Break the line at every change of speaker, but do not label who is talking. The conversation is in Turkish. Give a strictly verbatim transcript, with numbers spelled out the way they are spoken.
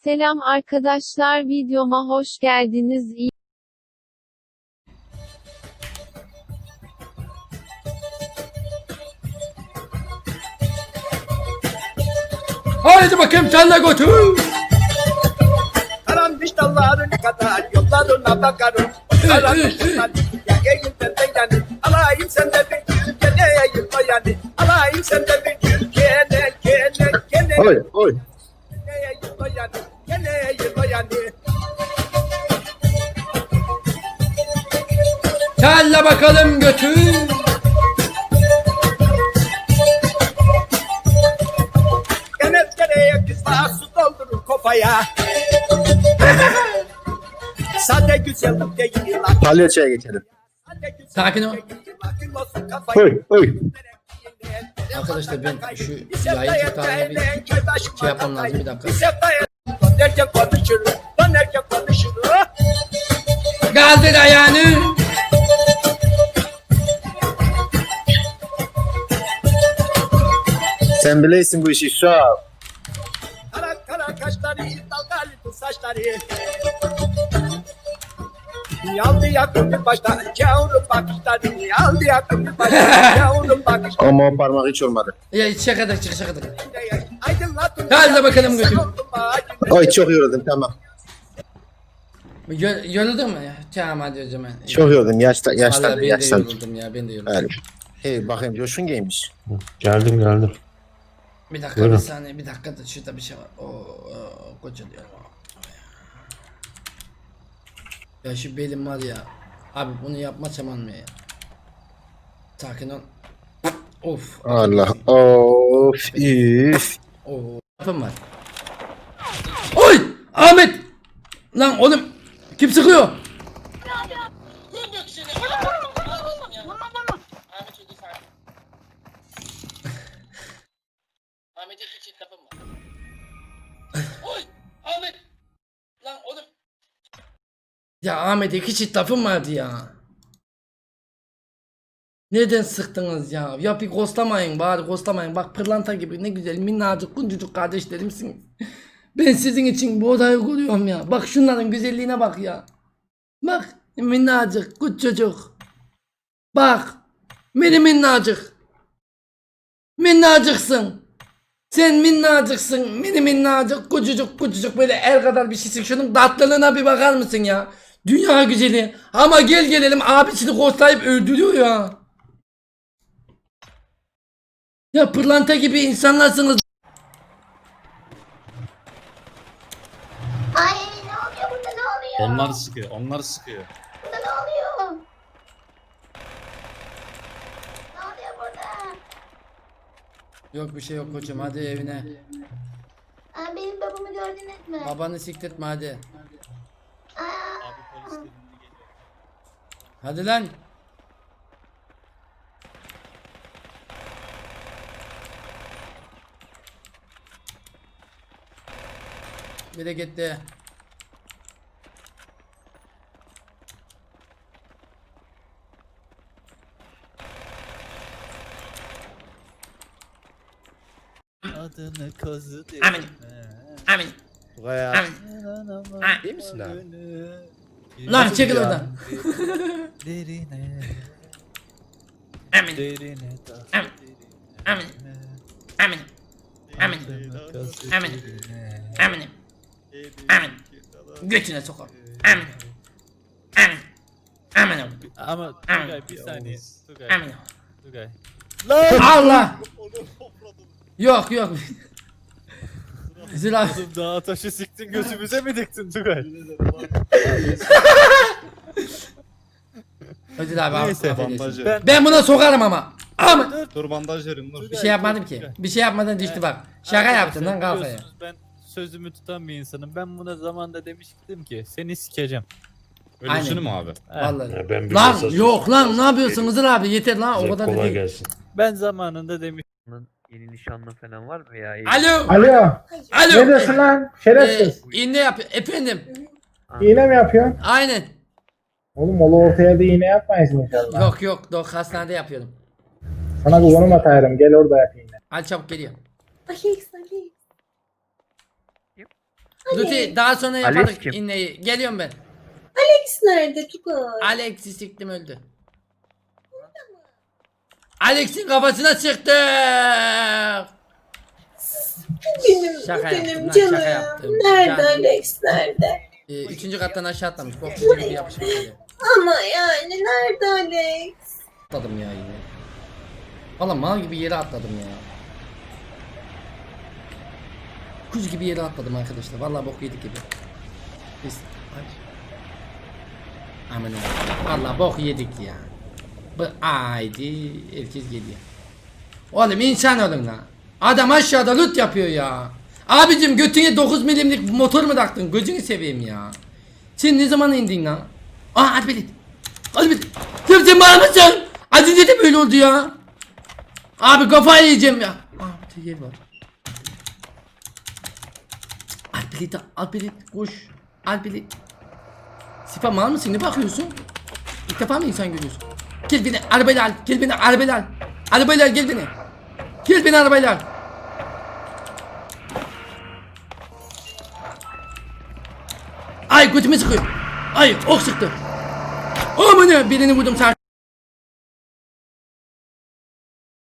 Selam arkadaşlar, videoma hoş geldiniz. İyi
Haydi bakayım sen de götür.
Karanmış dalların kadar yollarına bakarım. Karanmış dallar ya eğinden de yani. Alayım sende bir gül gene yılma yani. Alayım sende bir gül gene gene gene.
Oy oy.
Gene yılma yani. Gene yılma yani.
Sen de bakalım götür.
Gene dereye kızlar su doldurur kafaya. Sade güzellik değil lan.
Palyaçoya geçelim.
Sade güzellik
Sakin ol.
değil, lakın olsun kafaya.
Oy oy.
Arkadaşlar ben şu yayın tutarına bir şey yapmam lazım, bir dakika.
Dönerken konuşur, dönerken konuşur.
Kaldır ayağını.
Sen bileysin bu işi şu an.
Kara kara kaşları, dalgalı saçları. Yaldı yakın başta, yavrum bakışları. Yaldı yakın başta, yavrum bakışları.
Ama o parmak hiç olmadı.
Ya şakadır çık şakadır.
Aydınlatın.
Hadi bakalım götür.
Oy çok yoruldum tamam.
Gö- Yoruldun mu ya? Tamam hadi o zaman.
Çok yoruldum yaşta
Vallahi
yaşlandı
ben de
yaşlandı.
yoruldum ya, ben de yoruldum.
Yani. Hey bakayım coşun giymiş.
Geldim geldim.
Bir dakika
Buyurun.
bir saniye, bir dakika da şurada bir şey var. Oo, oo koca diyor. Ya şu belim var ya. Abi bunu yapmasam olmuyor ya. Sakin ol. Of.
Allah of üf.
Oo. Yapım var. Oy! Ahmet! Lan oğlum kim sıkıyor? Ahmet'e iki çift lafım var. Oy! Ahmet! Lan oğlum. Ya Ahmet'e iki çift lafım vardı ya. Neden sıktınız ya? Ya bir ghostlamayın bari, ghostlamayın. Bak pırlanta gibi ne güzel minnacık kuncacık kardeşlerimsiniz. Ben sizin için bu odayı kuruyorum ya. Bak şunların güzelliğine bak ya. Bak minnacık küçücük. Bak mini minnacık. Minnacıksın. Sen minnacıksın. Mini minnacık küçücük küçücük böyle el kadar bir şeysin. Şunun tatlılığına bir bakar mısın ya? Dünya güzeli. Ama gel gelelim abisini ghostlayıp öldürüyor ya. Ya pırlanta gibi insanlarsınız.
Ay ne oluyor burada, ne oluyor?
Onlar sıkıyor, onlar sıkıyor.
Burada ne oluyor? Ne oluyor burada?
Yok bir şey yok koçum, hadi evine.
Aa, benim babamı gördünüz mü?
Babanı sikletme hadi.
Aa,
Hadi lan. Bir de gitti.
Adını kazı
Amin. Amin.
Buraya.
Amin.
İyi misin abi?
Lan çekil oradan.
Derine,
Amin.
derine,
Amin. Amin. Amin. Amin.
adını kazı
Amin.
derine.
Amin. Amin. Götüne sokar. Amin. Amin. Amin.
Ama Tugay bir saniye. Tugay,
Amin.
Tugay.
Allah. Yok yok. Zira.
Oğlum dağa taşı siktin gözümüze mi diktin Tugay?
Ödül abi.
Neyse,
affedersin.
bandajı.
Ben,
Ben buna sokarım ama. Ama
Dur bandaj verin dur.
bir şey yapmadım ki. Bir şey yapmadan düştü bak. Şaka yaptın lan kafaya.
biliyorsunuz ben sözümü tutan bir insanım. Ben buna zamanda demiştim ki seni sikeceğim.
Öylesini mi abi?
He.
Vallahi.
Ya ben bir
Lan
mesaj-
yok lan ne yapıyorsun Hızır abi, yeter lan o
Size
kadar da
kolay
değil.
gelsin.
Ben zamanında demiştim.
Yeni nişanlı falan var mı ya?
Alo.
Alo.
Alo.
Ne diyorsun lan? Şerefsiz.
Ee, iğne yap efendim.
İğne mi yapıyorsun?
Aynen.
Oğlum ola ortaya da iğne yapmayız inşallah.
Yok yok yok hastanede yapıyorum.
Sana bir konum atarım. Gel orada yap iğne.
Hadi çabuk geliyor.
Alex, Alex.
Luti daha sonra yaparız
Alex kim?
inneyi. Geliyorum ben.
Alex nerede Tugay?
Alex'i siktim öldü. Alex'in kafasına sıktık.
Benim,
Şaka
benim
yaptım lan,
canım.
şaka yaptım.
Nerede
Yani-
Alex nerede?
Ee, üçüncü kattan aşağı atlamış. Bok gibi yapışmış böyle.
Ama yani nerede Alex?
Atladım ya yine. Valla mal gibi yere atladım ya. Kuz gibi yere atladım arkadaşlar. Valla bok yedik gibi. Biz... Ay. Aman Allah'ım. Valla bok yedik ya. Bu haydi herkes geliyor. Oğlum insan olun lan. Adam aşağıda loot yapıyor ya. Abicim götüne dokuz milimlik motor mu taktın? Gözünü seveyim ya. Sen ne zaman indin lan? Aa Alpelit. Alpelit. Sen sen bana mısın? Az önce de böyle oldu ya. Abi kafayı yiyeceğim ya. Aa bir yer var. Alpelit Alpelit koş. Alpelit. Sipa mal mısın? Ne bakıyorsun? İlk defa mı insan görüyorsun? Gel beni arabayla al. Gel beni arabayla al. Arabayla al gel beni. Gel beni arabayla al. Ay götümü sıkıyor. Ay ok sıktı. Aman ya birini vurdum sağ.